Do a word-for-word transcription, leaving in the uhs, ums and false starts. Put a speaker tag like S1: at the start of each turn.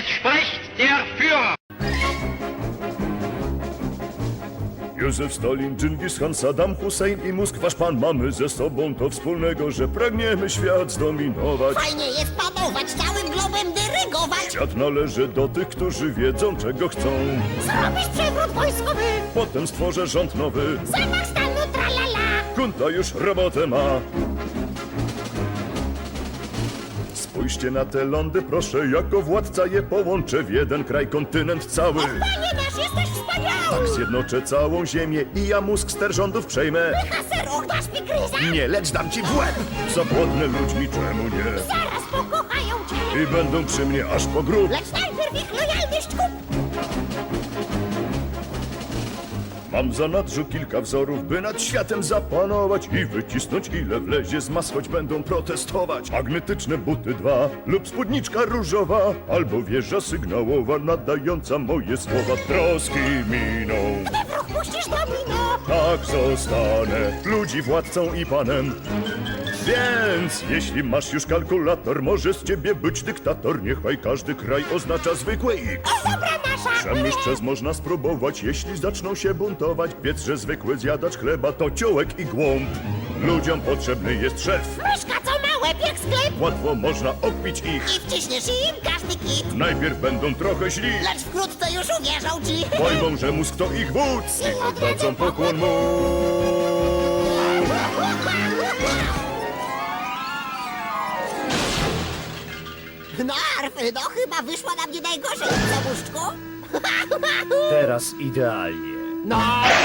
S1: Es spricht der Führer.
S2: Józef Stalin, Dżingis Khan, Saddam Hussein i Mózg, wasz pan, mamy ze sobą to wspólnego, że pragniemy świat zdominować.
S3: Fajnie jest panować, całym globem dyrygować.
S2: Świat należy do tych, którzy wiedzą, czego chcą.
S3: Zrobisz przewrót wojskowy,
S2: Potem stworzę rząd nowy.
S3: zamach stanu tralala.
S2: Kunta już robotę ma. Spójrzcie na te lądy, proszę, jako władca je połączę w jeden kraj, kontynent cały.
S3: Panie nasz, jesteś wspaniały.
S2: Tak zjednoczę całą ziemię i ja mózg ster rządów przejmę.
S3: Haseroch, dasz mi gryza.
S2: Nie, lecz dam ci w łeb! Zapłodnę ludźmi, czemu nie?
S3: Zaraz pokochają cię.
S2: I będą przy mnie aż po grób.
S3: Lecz najpierw ich lojalność kup.
S2: Mam za nadrzu kilka wzorów, by nad światem zapanować i wycisnąć ile wlezie z mas, choć będą protestować. Magnetyczne buty dwa lub spódniczka różowa, albo wieża sygnałowa nadająca moje słowa. Troski miną,
S3: Gdy wróg puścisz domino.
S2: tak zostanę ludzi władcą i panem. Więc jeśli masz już kalkulator, może z ciebie być dyktator. Niechaj każdy kraj oznacza zwykły X.
S3: O, dobra nasza.
S2: Przemyśl przez można spróbować, jeśli zaczną się buntować. Wiedz, że zwykły zjadacz chleba to ciołek i głąb. Ludziom potrzebny jest szef.
S3: Myszka, co ma łeb jak sklep.
S2: Łatwo można okpić ich.
S3: I wciśniesz im każdy kit.
S2: Najpierw będą trochę źli.
S3: Lecz wkrótce już uwierzą ci.
S2: Pojmą, że mózg to ich wódz i oddadzą pokłon mu.
S3: No, Arfy, no chyba wyszła na mnie najgorzej, co, muszczku?
S4: Teraz idealnie.
S3: No,